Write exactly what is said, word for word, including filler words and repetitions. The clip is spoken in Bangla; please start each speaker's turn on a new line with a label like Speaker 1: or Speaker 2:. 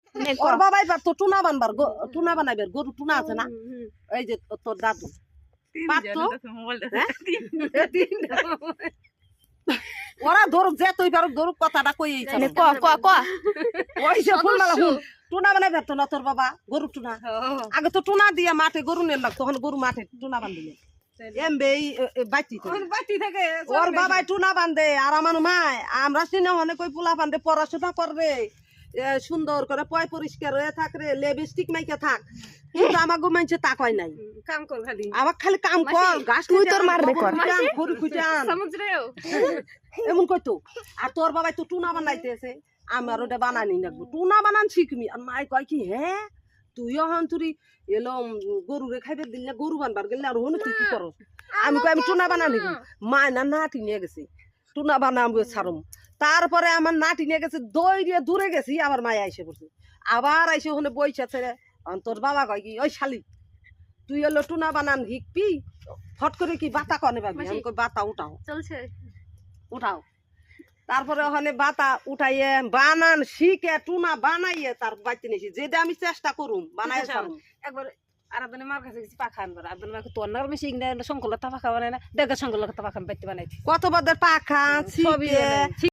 Speaker 1: ওর বাবাই পারতো টুনা বানবার, টুনা বানাইবার, গরু টুনা আছে না, এই যে তোর দাদু পারতো। ওরা ধরুক যে তুই পারুক ধরুক, কথাটা কই ওই যে ফুলমালা হুন টুনা বানাই পারতো না তোর বাবা, গরু টুনা। আগে তো টুনা দিয়ে মাঠে গরু নিয়ে লাগতো, তখন গরু মাঠে টুনা বান্ধিলে এমবে বাতি থাকে। ওর বাবাই টুনা বান্ধে আর আমার মায় আমরা সিনে অনেক ওই পোলা বান্ধে পড়াশোনা করবে, সুন্দর করে পয় পরিষ্কার হয়ে থাকরে, লিপস্টিক মাইকে থাক, কিন্তু আমার গো মানছে তা কয় নাই, কাম কর খালি, আমার খালি কাম কর, ঘাস তুই তোর মারবে কর, গরু খুঁজে আন, এমন কইতো। আর তোর বাবাই তো টুনা বানাইতেছে, আমার ওটা বানানি লাগবো, টুনা বানান শিখবি। আর মাই কয় কি, হ্যাঁ তুইও হন তুই এলো গরু রে খাইবে দিলে, গরু বানবার গেলে আর হন তুই কি করস? আমি কই আমি টুনা বানানি, মা না নাটি নিয়ে গেছে, টুনা বানাবো ছাড়ম। তারপরে আমার নাটি নিয়ে গেছে, দই দিয়ে দূরে গেছি, আবার মায় আইসে পড়ছে, আবার আইসে ওখানে বইছে ছেড়ে। তোর বাবা কয় কি, ওই শালি তুই এলো টুনা বানান শিখবি, ফট করে কি বাতা কনে পাবি? আমি কই বাতা উঠাও, চলছে উঠাও। তারপরে ওখানে বাতা উঠাইয়ে বানান শিখে টুনা বানাইয়ে তার বাড়তে নিয়েছি, যেটা আমি চেষ্টা করুম বানাই একবার। আরাধনে মার কাছে গেছি পাখা আনবার, আরাধনে মাকে তোর নার মেশিন শঙ্কলতা পাখা বানায় না, দেখে শঙ্কলতা পাখা বাইতে বানাইছি, কত বাদের পাখা